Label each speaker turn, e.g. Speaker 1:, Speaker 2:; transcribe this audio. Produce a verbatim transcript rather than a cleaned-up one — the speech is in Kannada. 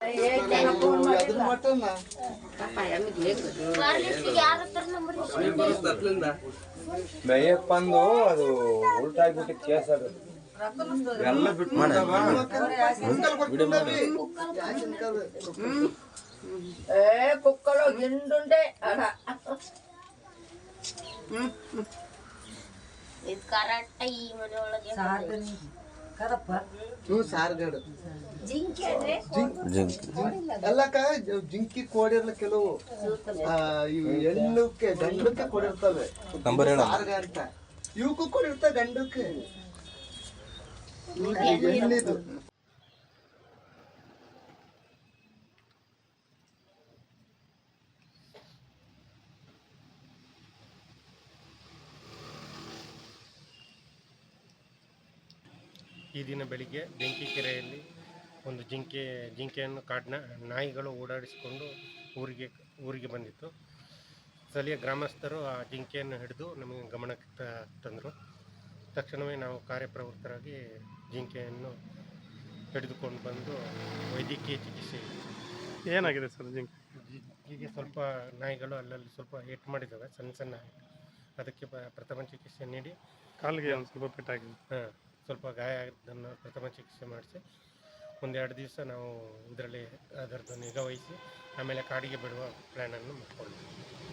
Speaker 1: ಮೇಯಕ್ ಬಂದು ಅದು ಉಲ್ಟಾಗ್ಬಿಟ್ಟು ಕೇಸ್ ಅದು ಎಲ್ಲ ಬಿಟ್ಟು
Speaker 2: ಏ ಕುಕ್ಕಲು ಗಿಂಡುಂಡೆ ಅಡ
Speaker 3: ಇದು ಕರೆಕ್ಟ್ ಈ ಮನೆ ಒಳಗೆ
Speaker 2: ಕರಪ್ಪ
Speaker 4: ಹ್ಞೂ ಸಾರ್ಗಡು
Speaker 3: ಜಿಂಕೆ ಅಂದ್ರೆ
Speaker 4: ಎಲ್ಲಕ್ಕ ಜಿಂಕಿ ಕೋಡಿರ್ಲ ಕೆಲವು ಇವು ಹೆಣ್ಣಕ್ಕೆ ಗಂಡಕ್ಕೆ ಕೊಡಿರ್ತವೆ ಸಾರ್ಗ ಅಂತ ಇವಕ್ಕೂ ಕೊಡಿರ್ತಾವೆ ಗಂಡಕ್ಕೆ ಹೆಣ್ಣಿದು
Speaker 5: ಈ ದಿನ ಬೆಳಿಗ್ಗೆ ಬೆಂಕಿಕೆರೆಯಲ್ಲಿ ಒಂದು ಜಿಂಕೆ ಜಿಂಕೆಯನ್ನು ಕಾಡಿನ ನಾಯಿಗಳು ಓಡಾಡಿಸಿಕೊಂಡು ಊರಿಗೆ ಊರಿಗೆ ಬಂದಿತ್ತು. ಸ್ಥಳೀಯ ಗ್ರಾಮಸ್ಥರು ಆ ಜಿಂಕೆಯನ್ನು ಹಿಡಿದು ನಮಗೆ ಗಮನಕ್ಕೆ ತಂದರು. ತಕ್ಷಣವೇ ನಾವು ಕಾರ್ಯಪ್ರವೃತ್ತರಾಗಿ ಜಿಂಕೆಯನ್ನು ಹಿಡಿದುಕೊಂಡು ಬಂದು ವೈದ್ಯಕೀಯ ಚಿಕಿತ್ಸೆ.
Speaker 6: ಏನಾಗಿದೆ ಸರ್ ಜಿಂಕೆ?
Speaker 5: ಜಿಂಕೆಗೆ ಸ್ವಲ್ಪ ನಾಯಿಗಳು ಅಲ್ಲಲ್ಲಿ ಸ್ವಲ್ಪ ಏಟು ಮಾಡಿದ್ದಾವೆ, ಸಣ್ಣ ಸಣ್ಣ. ಅದಕ್ಕೆ ಪ್ರಥಮ ಚಿಕಿತ್ಸೆ ನೀಡಿ
Speaker 6: ಕಾಲಿಗೆ ಒಂದು ಸ್ವಲ್ಪ ಪೆಟ್ಟಾಗಿದೆ.
Speaker 5: ಹಾಂ, ಸ್ವಲ್ಪ ಗಾಯ ಆಗಿದ್ದನ್ನು ಪ್ರಥಮ ಚಿಕಿತ್ಸೆ ಮಾಡಿಸಿ ಒಂದೆರಡು ದಿವಸ ನಾವು ಇದರಲ್ಲಿ ಅದರದ್ದು ನಿಗಾ ವಹಿಸಿ ಆಮೇಲೆ ಕಾಡಿಗೆ ಬಿಡುವ ಪ್ಲ್ಯಾನನ್ನು ಮಾಡಿಕೊಂಡಿದ್ದೀವಿ.